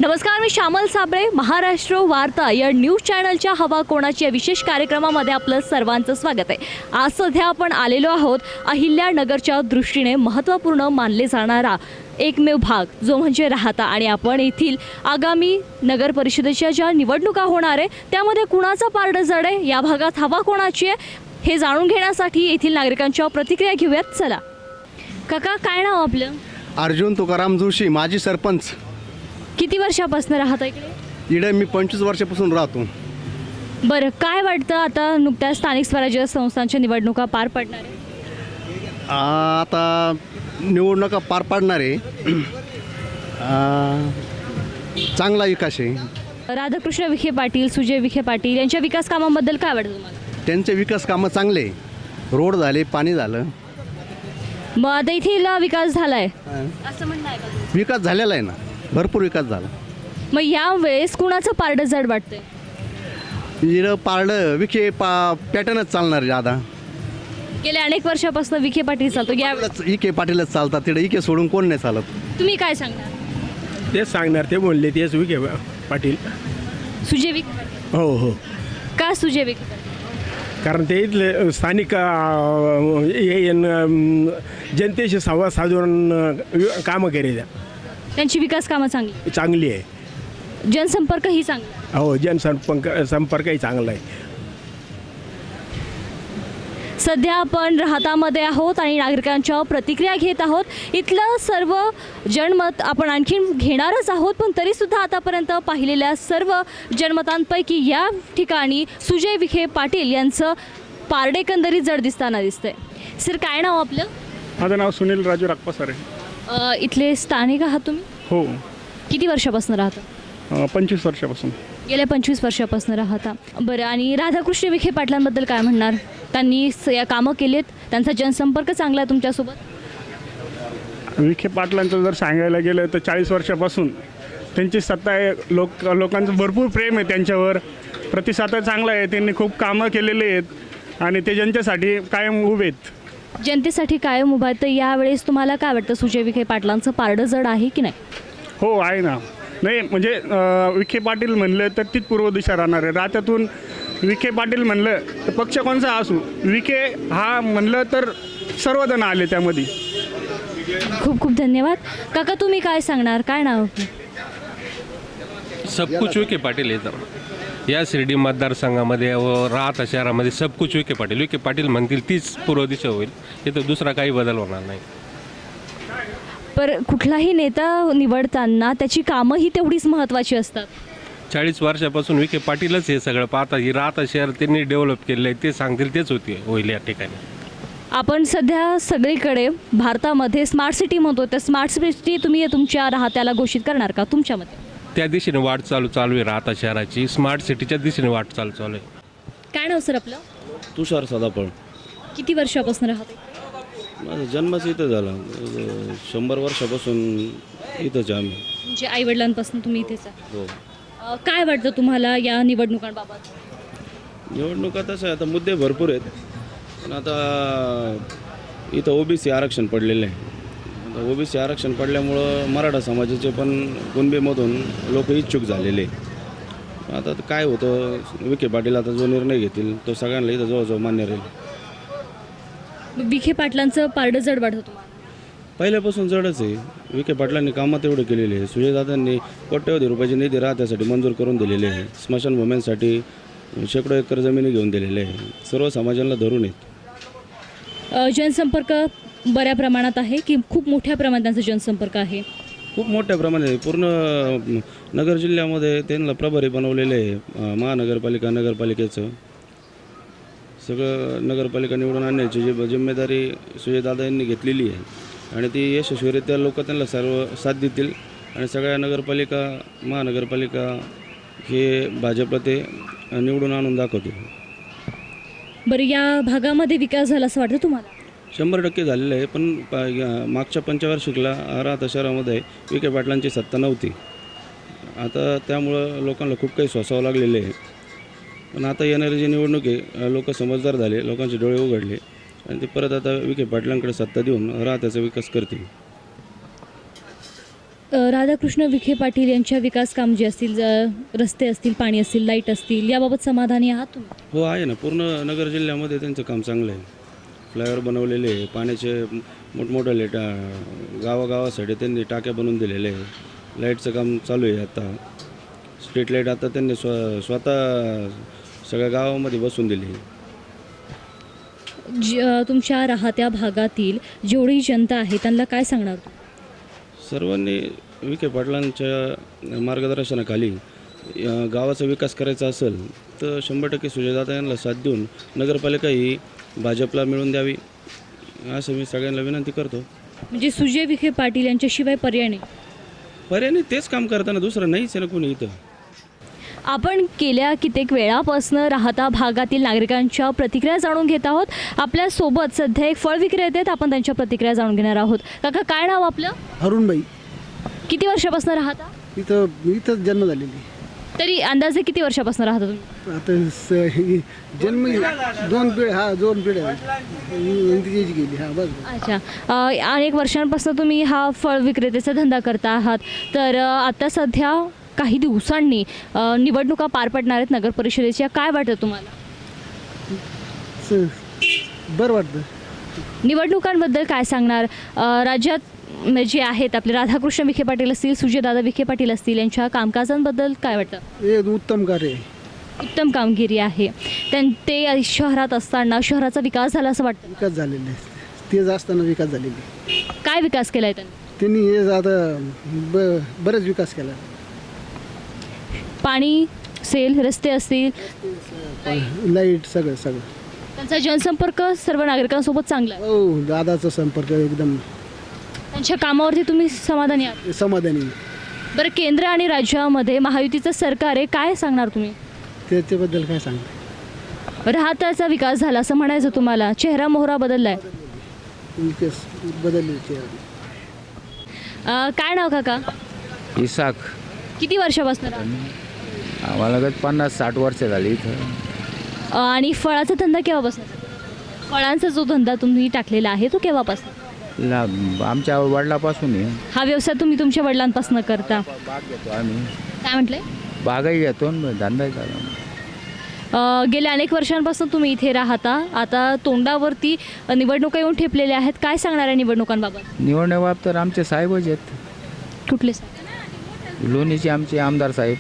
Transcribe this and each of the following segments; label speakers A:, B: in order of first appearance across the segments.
A: नमस्कार, मी श्यामल साबळे. महाराष्ट्र वार्ता या न्यूज चॅनलच्या हवा कोणाची या विशेष कार्यक्रमामध्ये आपलं सर्वांचं स्वागत आहे. आज सध्या आपण आलेलो आहोत अहिल्यानगरच्या दृष्टीने महत्त्वपूर्ण मानले जाणारा एकमेव भाग जो म्हणजे राहाता, आणि आपण येथील आगामी नगर परिषदेच्या ज्या निवडणुका होणार आहे त्यामध्ये कुणाचा पारडं जड आहे, या भागात हवा कोणाची आहे हे जाणून घेण्यासाठी येथील नागरिकांच्या प्रतिक्रिया घेऊयात. चला काका, काय नाव आपलं?
B: अर्जुन तुकाराम जोशी, माजी सरपंच.
A: किती वर्षापासून राहता इकडे?
B: इकडे मी 25 वर्षापासून राहतो.
A: बरं, काय वाटतं आता नुकत्याच स्थानिक स्वराज्य संस्थांच्या निवडणुका पार पडणार आहे?
B: आता निवडणुका पार पाडणार आहे. चांगला विकास आहे.
A: राधाकृष्ण विखे पाटील, सुजय विखे पाटील यांच्या विकास कामांबद्दल काय वाटतं तुम्हाला?
B: त्यांचे विकास कामं चांगले, रोड झाले, पाणी झालं.
A: मग आता इथे विकास झालाय असं म्हणणं आहे का?
B: विकास झालेला आहे ना, भरपूर विकास झाला.
A: मग यावेळेस कुणाचं पारडं जड वाटतंय?
B: इकडं पारडं विखे पॅटर्नच चालणार ज्यादा.
A: गेल्या अनेक वर्षापासून विखे पाटील चालतो, या
B: इके पाटीलच चालतात. तिकडे इके सोडून कोण नाही चालत.
A: तुम्ही काय सांगणार?
C: तेच सांगणार, ते बोलले तेच विखे पाटील.
A: सुजय विखे पाटील?
C: हो हो,
A: का सुजय विखे पाटील?
C: कारण ते इथले स्थानिक जनतेशी संवाद साधून कामं केली
A: त्यांची विकास कामं चांगली,
C: चांगली आहे.
A: जनसंपर्कही चांगला.
C: हो, संपर्कही चांगला आहे.
A: सध्या आपण राहतामध्ये आहोत आणि नागरिकांच्या प्रतिक्रिया घेत आहोत. इथलं सर्व जनमत आपण आणखीन घेणारच आहोत, पण तरीसुद्धा आतापर्यंत पाहिलेल्या सर्व जनमतांपैकी या ठिकाणी सुजय विखे पाटील यांचं पारडे एकंदरीत जड दिसताना दिसतंय. सर, काय नाव आपलं?
D: माझं नाव सुनील राजू राखपासर आहे.
A: इथले स्थानिक आहात तुम्ही?
D: हो,
A: किती वर्षापासून राहता?
D: 25 वर्षापासून.
A: गेल्या 25 वर्षापासून राहता. बरं, आणि राधाकृष्ण विखे पाटलांबद्दल काय म्हणणार? त्यांनी या कामं केलेत, त्यांचा जनसंपर्क चांगला आहे तुमच्यासोबत?
D: विखे पाटलांचं जर सांगायला गेलं तर 40 वर्षापासून त्यांची सत्ता आहे. लोकांचं भरपूर प्रेम आहे त्यांच्यावर, प्रतिसाद चांगला आहे. त्यांनी खूप कामं केलेले आहेत आणि ते जनतेसाठी कायम उभे आहेत.
A: जनतेसाठी कायम उभा आहे. तर यावेळेस तुम्हाला काय वाटतं, सुजय विखे पाटलांचं पारडं जड आहे की नाही?
D: हो, आहे ना. नाही म्हणजे विखे पाटील म्हणलं तर तीच पूर्व दिशा राहणार आहे. राज्यातून विखे पाटील म्हणलं तर पक्ष कोणचा असू, विखे हा म्हणलं तर सर्वजण आले त्यामध्ये.
A: खूप खूप धन्यवाद. काका, तुम्ही काय सांगणार? काय नाव?
E: सब कुछ विखे पाटील येतं या शिर्डी मतदारसंघामध्ये व राहता शहरामध्ये. सब कुछ विखे पाटील. विखे पाटील म्हणतील तीच पूर्व दिशा होईल, इथं दुसरा काही बदल होणार नाही.
A: पर कुठलाही नेता निवडताना त्याची कामं ही तेवढीच महत्त्वाची असतात.
E: 40 वर्षापासून विखे पाटीलच हे सगळं पाहता. ही राहता शहर त्यांनी डेव्हलप केलेलं आहे, ते सांगतील तेच होईल या ठिकाणी. आपण
A: सध्या सगळीकडे भारतामध्ये स्मार्ट सिटी म्हणतो, तर स्मार्ट सिटी तुम्ही तुमच्या राहत्याला घोषित करणार का तुमच्या मते?
E: त्या दिशेने वाट चालू आहे राहता शहराची. स्मार्ट सिटीच्या दिशेने वाट चालू आहे.
A: काय नाव सर आपलं?
F: तुषार सदाफळ.
A: किती वर्षापासून राहते?
F: माझा जन्मच इथं झाला. 100 वर्षापासून इथंच आहे आम्ही.
A: म्हणजे आईवडिलांपासून तुम्ही इथेच आहे?
F: हो.
A: काय वाटतं तुम्हाला या निवडणुकांबाबत?
F: निवडणुका तसं आहे, आता मुद्दे भरपूर आहेत, पण आता इथं ओबीसी आरक्षण पडलेलं आहे. आता ओबीसी आरक्षण पडल्यामुळं मराठा समाजाचे पण कुणबीमधून लोक इच्छुक झालेले. आता काय होतं, विखे पाटील आता जो निर्णय घेतील तो सगळ्यांना इथं जवळजवळ मान्य राहील.
A: विखे पाटलांचं पारडं जड वाटतं तुम्हाला?
F: पहिल्यापासून जडच आहे. विखे पाटलांनी कामं तेवढे केलेले आहे. सुजयदादांनी कोट्यवधी रुपयाची निधी राहत्यासाठी मंजूर करून दिलेले आहे. स्मशानभूम्यांसाठी शेकडो एकर जमिनी घेऊन दिलेले आहे. सर्व समाजाला धरून आहेत.
A: जनसंपर्क बऱ्या प्रमाणात आहे की खूप मोठ्या प्रमाणात त्यांचा जनसंपर्क आहे?
F: खूप मोठ्या प्रमाणात आहे. पूर्ण नगर जिल्ह्यामध्ये त्यांना प्रभारी बनवलेले आहे. महानगरपालिका, नगरपालिकेचं सगळं नगरपालिका निवडून आणण्याची जी जिम्मेदारी सुजयदादा यांनी घेतलेली आहे आणि ती यशस्वीरित्या लोक त्यांना सर्व साथ देतील आणि सगळ्या नगरपालिका, महानगरपालिका हे भाजपला ते निवडून आणून दाखवतील.
A: बरं, या भागामध्ये विकास झाला असं वाटतं तुम्हाला?
F: 100% झालेलं आहे, पण मागच्या पंचवार्षिकला राहता शहरामध्ये विखे पाटलांची सत्ता नव्हती. आता त्यामुळं लोकांना खूप काही सोसावं लागलेलं आहे. पण आता येणारी जी निवडणूक आहे, लोक समजदार झाले, लोकांचे डोळे उघडले आणि ते परत आता विखे पाटलांकडे सत्ता देऊन राहत्याचा विकास करतील.
A: राधाकृष्ण विखे पाटील यांच्या विकास काम जे असतील रस्ते असतील, पाणी असतील, लाईट असतील, याबाबत समाधानी आहात तुम्ही?
F: हो आहे ना, पूर्ण नगर जिल्ह्यामध्ये त्यांचं काम चांगलं आहे. फ्लायओव्हर बनवलेले आहे, पाण्याचे मोठमोठे गावागावासाठी त्यांनी टाक्या बनवून दिलेले आहे. लाईटचं काम चालू आहे आता. स्ट्रीट लाईट आता त्यांनी स्वतः सगळ्या गावामध्ये बसवून दिली.
A: तुमच्या राहत्या भागातील जेवढी जनता आहे त्यांना काय सांगणार?
F: सर्वांनी विखे पाटलांच्या मार्गदर्शनाखाली गावाचा विकास करायचा असेल तर 100% सुजयदादा यांना साथ देऊन नगरपालिका ही भाजपला मिळवून द्यावी असं मी सगळ्यांना विनंती करतो.
A: म्हणजे सुजय विखे पाटील यांच्याशिवाय पर्याय नाही?
F: पर्याय नाही, तेच काम करताना दुसरं नाहीच आहे ना कोणी इथं.
A: आपण गेल्या कित्येक वेळापासून राहता भागातील नागरिकांच्या प्रतिक्रिया जाणून घेत आहोत. आपल्यासोबत सध्या एक फळ विक्रेते आहेत, आपण त्यांच्या प्रतिक्रिया जाणून घेणार आहोत. काका, काय नाव आपलं?
B: अरुणबाई.
A: किती वर्षापासून राहता?
B: इथंच जन्म झालेली.
A: तरी अंदाजे किती वर्षापासून राहता तुम्ही?
B: आता जन्म 2 पिढ्या 2 पिढ्या गेली. बस.
A: अच्छा, अनेक वर्षांपासून तुम्ही हा फळ विक्रेतेचा धंदा करता आहात. तर आता सध्या काही दिवसांनी निवडणुका पार पडणार आहेत नगर परिषदेच्या. काय वाटतं तुम्हाला?
B: बरं वाटतं.
A: निवडणुकांबद्दल काय सांगणार? राज्यात जे आहेत आपले राधाकृष्ण विखे पाटील असतील, सुजयदादा विखे पाटील असतील, यांच्या कामकाजांबद्दल काय वाटतं?
B: हे उत्तम कार्य आहे.
A: उत्तम कामगिरी आहे. ते शहरात असताना शहराचा विकास झाला असं वाटतं?
B: विकास झालेला आहे. तेच असताना विकास झालेली.
A: काय विकास केला आहे
B: त्यांनी? हे आता बरेच विकास केला.
A: पाणी सेल, रस्ते असतील,
B: लाईट, सगळं.
A: त्यांचा जनसंपर्क सर्व नागरिकांसोबत चांगला आहे.
B: हो, दादाचा संपर्क एकदम.
A: त्यांच्या कामावरती तुम्ही समाधानी आहात?
B: समाधानी.
A: बरं, केंद्र आणि राज्यामध्ये महायुतीचं सरकार आहे, काय सांगणार तुम्ही?
B: त्याच्याबद्दल काय सांगता?
A: राहताचा विकास झाला असं म्हणायचं तुम्हाला? चेहरा मोहरा बदललाय?
B: विकास बदलले.
A: काय नाव काका?
G: इसाक.
A: किती वर्षापासून राहता?
G: आम्हाला 50-60 वर्ष झाली इथं.
A: आणि फळाचा धंदा केव्हापासून? फळांचा जो धंदा तुम्ही टाकलेला आहे तो केव्हापासून?
G: आमच्या वडिलापासून आहे.
A: हा व्यवसाय तुम्ही तुमच्या वडिलांपासून करता?
G: बाग घेतो आम्ही.
A: काय म्हटलंय?
G: बागाही घेतो आणि धंदाही चालू.
A: गेल्या अनेक वर्षांपासून तुम्ही इथे राहता. आता तोंडावरती निवडणुका येऊन ठेपलेल्या आहेत. काय सांगणार आहे निवडणुकांबाबत?
G: निवडणुकाबाबत तर आमचे साहेबच आहेत.
A: कुठले?
G: लोणीचे आमचे आमदार साहेब,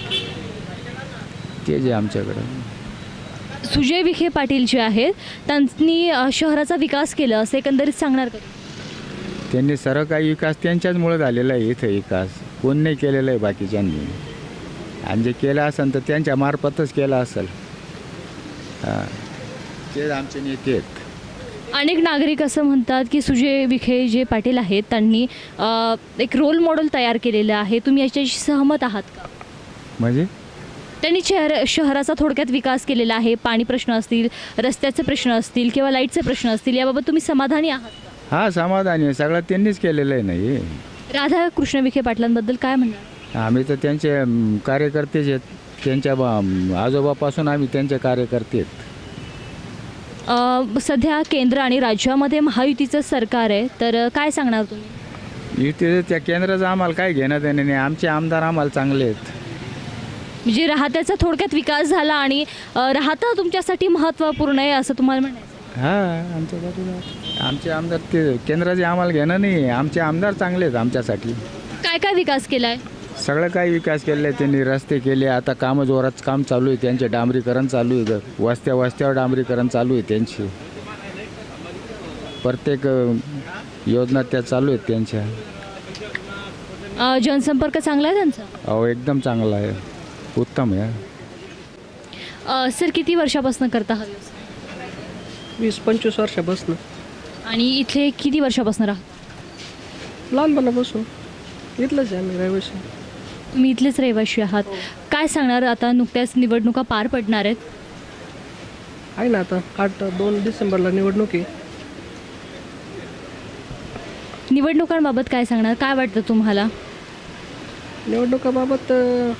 G: ते जे आमच्याकडं.
A: सुजय विखे पाटील जे आहेत त्यांनी शहराचा विकास केला असं एकंदरीत सांगणार का?
G: त्यांनी सर्व काही विकास त्यांच्याचमुळे झालेला आहे. इथं विकास कोण नाही केलेला आहे बाकीच्यांनी. आणि जे केलं असेल तर त्यांच्या मार्फतच केलं असेल. हां, ते आमचे नेते आहेत.
A: अनेक नागरिक असं म्हणतात की सुजय विखे जे पाटील आहेत त्यांनी एक रोल मॉडेल तयार केलेलं आहे. तुम्ही याच्याशी सहमत आहात का?
G: म्हणजे
A: त्यांनी शहराचा थोडक्यात विकास केलेला आहे. पाणी प्रश्न असतील, रस्त्याचे प्रश्न असतील किंवा लाईटचे प्रश्न असतील, याबाबत तुम्ही समाधानी आहात का?
G: हां, समाधानी आहे. सगळं त्यांनीच केलेलं आहे. नाही,
A: राधाकृष्ण विखे पाटलांबद्दल काय म्हणणार?
G: आम्ही तर त्यांचे कार्यकर्तेच आहेत. त्यांच्या आजोबापासून आम्ही त्यांचे कार्यकर्ते आहेत.
A: सध्या केंद्र आणि राज्यामध्ये महायुतीचं सरकार आहे, तर काय सांगणार तुम्ही?
G: युती त्या केंद्राचं आम्हाला काय घेणं देणं नाही. आमचे आमदार आम्हाला चांगले आहेत.
A: म्हणजे राहत्याचा थोडक्यात विकास झाला आणि राहता तुमच्यासाठी महत्त्वपूर्ण आहे असं तुम्हाला म्हणायचं?
G: हां, आमचे आमदार ते केंद्राचे आम्हाला घेणं नाही. आमचे आमदार चांगले आहेत आमच्यासाठी.
A: काय काय विकास केला आहे?
G: सगळं काही विकास केलं आहे त्यांनी. रस्ते केले, आता कामं जोरात काम चालू आहे त्यांचे. डांबरीकरण चालू आहे. वस्त्यावर डांबरीकरण चालू आहे त्यांची. प्रत्येक योजना त्या चालू आहेत त्यांच्या.
A: जनसंपर्क चांगला आहे त्यांचा?
G: अहो, एकदम चांगला आहे, उत्तम आहे.
A: सर, किती वर्षापासून करता हा व्यवसाय?
H: 20-25 वर्षापासून.
A: आणि इथे किती वर्षापासून राहता?
H: लहानपणापासून इथलंच आहे आम्ही रहिवाशी.
A: तुम्ही इथलेच रहिवाशी आहात. काय सांगणार? आता नुकत्याच निवडणुका पार पडणार आहेत.
H: आहे ना, आता 2 डिसेंबरला निवडणूक आहे.
A: निवडणुकांबाबत काय सांगणार? काय वाटतं तुम्हाला?
H: निवडणुकाबाबत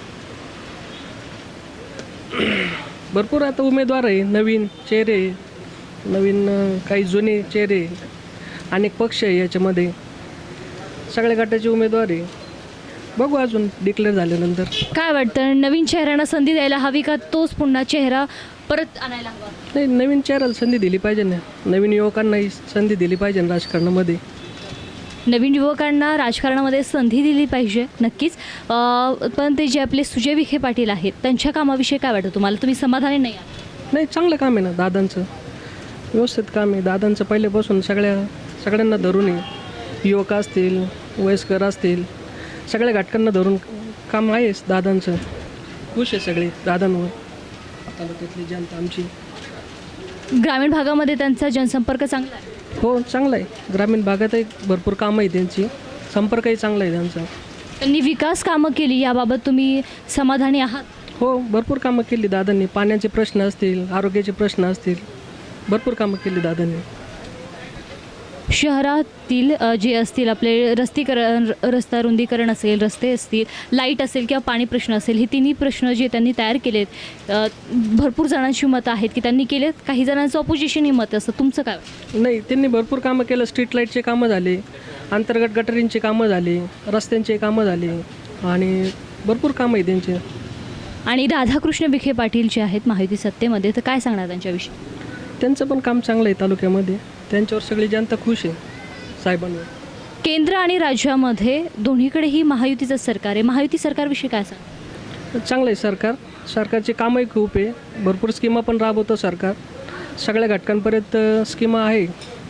H: भरपूर आता उमेदवार आहे. नवीन चेहरे, नवीन काही जुने चेहरे, अनेक पक्ष आहे याच्यामध्ये. सगळ्या गटाचे उमेदवार आहे. बघू अजून डिक्लेअर झाल्यानंतर.
A: काय वाटतं, नवीन चेहऱ्यांना संधी द्यायला हवी का तोच पुन्हा चेहरा परत आणायला हवा?
H: नाही, नवीन चेहऱ्याला संधी दिली पाहिजे ना, नवीन युवकांनाही संधी दिली पाहिजे ना राजकारणामध्ये.
A: नवीन युवकांना राजकारणामध्ये संधी दिली पाहिजे नक्कीच. पण ते जे आपले सुजय विखे पाटील आहेत त्यांच्या कामाविषयी काय वाटतं तुम्हाला? तुम्ही समाधानी नाही आहात?
H: नाही, चांगलं काम आहे ना दादांचं, व्यवस्थित काम आहे दादांचं. पहिल्यापासून सगळ्यांना धरून आहे, युवक असतील, वयस्कर असतील, सगळ्या घटकांना धरून काम आहेच दादांचं. खुश आहे सगळे दादांवर, तालुक्यातली जनता आमची.
A: ग्रामीण भागामध्ये त्यांचा जनसंपर्क चांगला आहे?
H: हो, चांगला आहे. ग्रामीण भागातही भरपूर कामं आहे त्यांची, संपर्कही चांगला आहे त्यांचा.
A: त्यांनी विकास कामं केली, याबाबत तुम्ही समाधानी आहात?
H: हो, भरपूर कामं केली दादांनी. पाण्याचे प्रश्न असतील, आरोग्याचे प्रश्न असतील, भरपूर कामं केली दादांनी.
A: शहरातील जे असतील आपले रस्ता रुंदीकरण असेल, रस्ते असतील, लाईट असेल किंवा पाणी प्रश्न असेल, हे तिन्ही प्रश्न जे त्यांनी तयार केलेत, भरपूर जणांची मतं आहेत की त्यांनी केलेत, काही जणांचं ऑपोजिशनही मत असतं. तुमचं काय वाटतं?
H: नाही, त्यांनी भरपूर कामं केलं. स्ट्रीट लाईटचे कामं झाले, अंतर्गत गटरींचे कामं झाले, रस्त्यांचे कामं झाले आणि भरपूर कामं आहे त्यांचे.
A: आणि राधाकृष्ण विखे पाटील जे आहेत महायुती सत्तेमध्ये, तर काय सांगणार त्यांच्याविषयी?
H: त्यांचं पण काम चांगलं आहे तालुक्यामध्ये. त्यांच्यावर सगळी जनता खुश आहे साहेबांवर.
A: केंद्र आणि राज्यामध्ये दोन्हीकडेही महायुतीचं सरकार आहे. महायुती सरकारविषयी काय सांग?
H: चांगलं आहे सरकार. सरकारची कामंही खूप आहे, भरपूर स्कीमा पण राबवतं सरकार. सगळ्या घटकांपर्यंत स्कीमा आहे.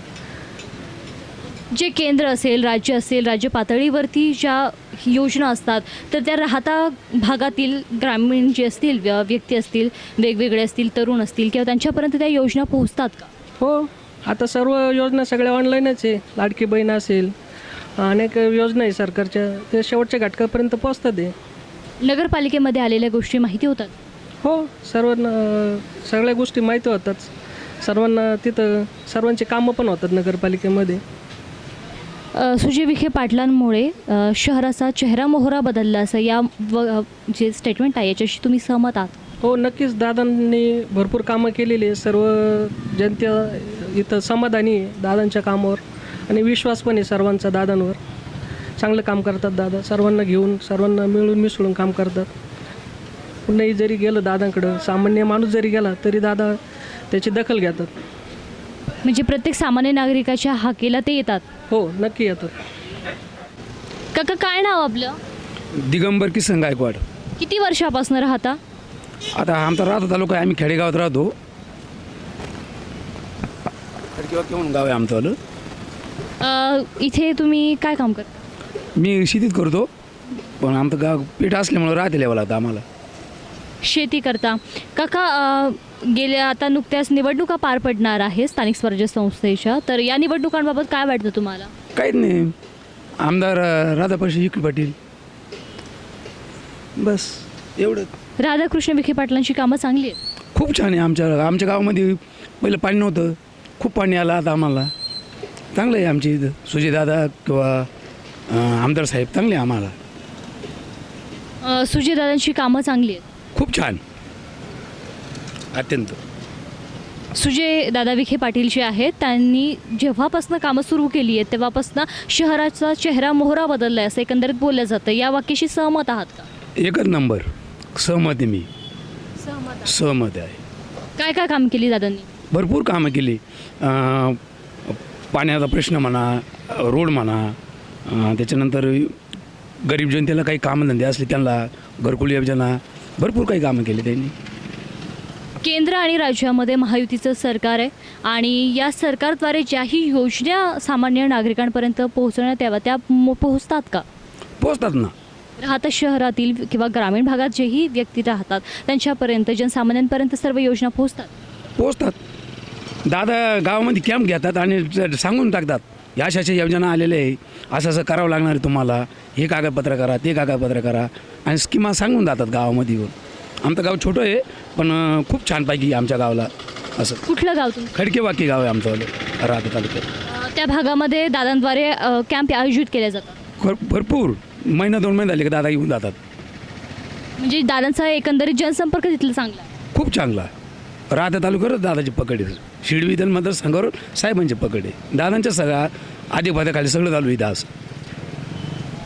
A: जे केंद्र असेल, राज्य असेल, राज्य पातळीवरती ज्या योजना असतात, तर त्या राहता भागातील ग्रामीण जे असतील, व्यक्ती असतील, वेगवेगळे असतील, तरुण असतील, किंवा त्यांच्यापर्यंत त्या योजना पोहोचतात का?
H: हो, आता सर्व योजना सगळ्या ऑनलाईनच आहे. लाडकी बहीण असेल, अनेक योजना आहे सरकारच्या, ते शेवटच्या घटकापर्यंत पोहोचतात आहे.
A: नगरपालिकेमध्ये आलेल्या गोष्टी माहिती होतात?
H: हो, सगळ्या गोष्टी माहिती होतात सर्वांना. तिथं सर्वांची कामं पण होतात नगरपालिकेमध्ये.
A: सुजय विखे पाटलांमुळे शहराचा चेहरा मोहरा बदलला असं जे स्टेटमेंट आहे याच्याशी तुम्ही सहमत आहात?
H: हो, नक्कीच. दादांनी भरपूर कामं केलेली आहे. सर्व जनता इथं समाधानी आहे दादांच्या कामावर आणि विश्वास पण आहे सर्वांचा दादांवर. चांगलं काम करतात दादा, सर्वांना घेऊन, सर्वांना मिळून मिसळून काम करतात. कुणीही जरी गेलं दादांकडं, सामान्य माणूस जरी गेला तरी दादा त्याची दखल घेतात.
A: म्हणजे प्रत्येक सामान्य नागरिकाच्या हाकेला ते येतात?
H: हो, नक्की येतात.
A: काका, काय नाव आपलं?
I: दिगंबर किसन गायकवाड.
A: किती वर्षापासून राहता?
I: आता आमचा राहतो तालुका आहे, आम्ही खेडेगावात राहतो. केव्हा गाव आहे आमचं.
A: इथे तुम्ही काय काम करता?
I: मी शेतीत करतो, पण आमचं गाव पेठ असल्यामुळं राहते यावं लागतं आम्हाला.
A: शेती करता. काका, गेल्या आता नुकत्याच निवडणुका पार पडणार आहे स्थानिक स्वराज्य संस्थेच्या, तर या निवडणुकांबाबत काय वाटतं तुम्हाला?
I: काहीच नाही, आमदार राधाकृष्ण विखे पाटील, बस एवढं.
A: राधाकृष्ण विखे पाटलांची कामं चांगली आहेत?
I: खूप छान आहे. आमच्या गावामध्ये पहिलं पाणी नव्हतं, खूप पाणी आलं आता आम्हाला. चांगलं आहे आमची इथं. सुजयदादा किंवा आमदार साहेब चांगले आहे आम्हाला.
A: सुजयदादांची कामं चांगली आहेत?
I: खूप छान, अत्यंत.
A: सुजयदादा विखे पाटील जे आहेत त्यांनी जेव्हापासून कामं सुरू केली आहेत तेव्हापासून शहराचा चेहरा मोहरा बदलला आहे असं एकंदरीत बोललं जातं. या वाक्याशी सहमत आहात का?
I: एकच नंबर सहमत आहे मी. सहमत आहे.
A: काय काय काम केली दादांनी?
I: भरपूर कामं केली. पाण्याचा प्रश्न म्हणा, रोड म्हणा, त्याच्यानंतर गरीब जनतेला काही कामधंदे असले त्यांना घरकुल योजना, भरपूर काही कामं केली त्यांनी.
A: केंद्र आणि राज्यामध्ये महायुतीचं सरकार आहे आणि या सरकारद्वारे ज्याही योजना सामान्य नागरिकांपर्यंत पोहोचवण्यात याव्या त्या पोहोचतात का?
I: पोहोचतात ना.
A: राहता शहरातील किंवा ग्रामीण भागात जेही व्यक्ती राहतात त्यांच्यापर्यंत, जनसामान्यांपर्यंत सर्व योजना
I: पोहोचतात. दादा गावामध्ये कॅम्प घेतात आणि सांगून टाकतात या अशाच्या योजना आलेल्या आहे, असं असं करावं लागणार आहे तुम्हाला, हे कागदपत्र करा, ते कागदपत्र करा, आणि स्कीमा सांगून जातात गावामध्ये येऊन. आमचं गाव छोटं आहे पण खूप छानपैकी आमच्या गावाला. असं
A: कुठलं गाव तुमचं?
I: खडकेवाकी गाव आहे आमचं राहता तालुक्यात.
A: त्या भागामध्ये दादांद्वारे कॅम्प आयोजित केले जातात?
I: भरपूर महिना 2 महिने झाले की दादा येऊन जातात.
A: म्हणजे दादांचा एकंदरीत जनसंपर्क तिथला चांगला आहे?
I: खूप चांगला. राहता तालुक्यावर दादाची पकड आहे. शिडविधन मतदारसंघावर साहेबांची पकड आहे. दादांच्या सगळ्या आधी पदाखाली सगळं चालू आहे. दास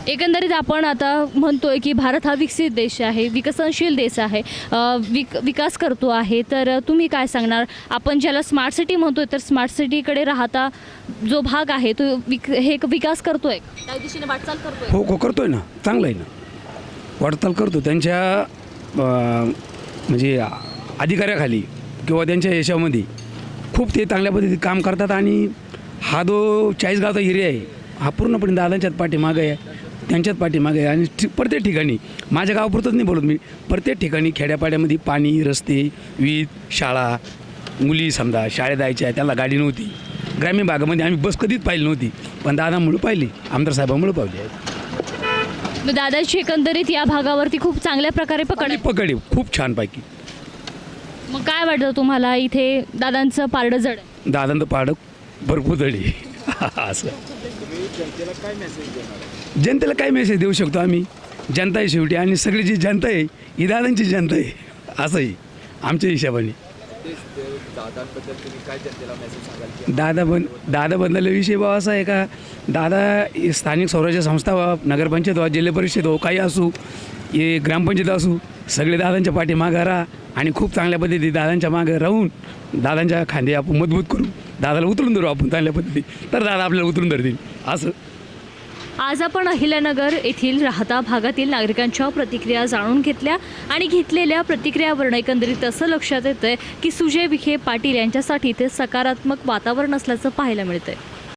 A: एकंदरीत आपण आता म्हणतोय की भारत हा विकसित देश आहे, विकसनशील देश आहे, विकास करतो आहे. तर तुम्ही काय सांगणार? आपण ज्याला स्मार्ट सिटी म्हणतोय, तर स्मार्ट सिटीकडे राहता जो भाग आहे तो विकास करतोय, त्या दिशेने वाटचाल करतोय?
I: हो करतोय ना, चांगलं आहे ना, वाटचाल करतो त्यांच्या म्हणजे अधिकाऱ्याखाली किंवा त्यांच्या याच्यामध्ये खूप ते चांगल्या पद्धतीने काम करतात. आणि हा जो चाळीसगावचा एरिया आहे हा पूर्णपणे दादांच्याच पाठीमागं आहे, त्यांच्याच पाठीमागे आहे. आणि प्रत्येक ठिकाणी, माझ्या गावापुरतंच नाही बोलत मी, प्रत्येक ठिकाणी खेड्यापाड्यामध्ये पाणी, रस्ते, वीज, शाळा, मुली समजा शाळेत जायच्या त्याला गाडी नव्हती. ग्रामीण भागामध्ये आम्ही बस कधीच पाहिली नव्हती, पण दादामुळे पाहिली, आमदार साहेबांमुळे पाहिली आहे.
A: दादाची एकंदरीत या भागावरती खूप चांगल्या प्रकारे
I: पकडी खूप छानपैकी.
A: मग काय वाटतं तुम्हाला, इथे दादांचं पारडं जड आहे?
I: दादांचं पारडं भरपूर जडी असं. जनतेला काय मेसेज देऊ शकतो आम्ही? जनता आहे शेवटी, आणि सगळी जी जनता आहे ही दादांची जनता आहे, असंही आमच्या हिशोबाने. दादाबद्दल विषय भाव असा आहे का, दादा स्थानिक स्वराज्य संस्था, नगरपंचायत वा जिल्हा परिषद हो, काही असू, हे ग्रामपंचायत असू, सगळे दादांच्या पाठीमागं राहा आणि खूप चांगल्या पद्धतीने दादांच्या मागं राहून दादांच्या खांदे आपण मजबूत करू, दादाला उतरून धरू आपण चांगल्या पद्धतीने, तर दादा आपल्याला उतरून धरतील असं.
A: आज आपण अहिल्यानगर येथील राहता भागातील नागरिकांच्या प्रतिक्रिया जाणून घेतल्या आणि घेतलेल्या प्रतिक्रियावरून एकंदरीत असं लक्षात येतं की सुजय विखे पाटील यांच्यासाठी इथे सकारात्मक वातावरण असल्याचं पाहायला मिळतंय.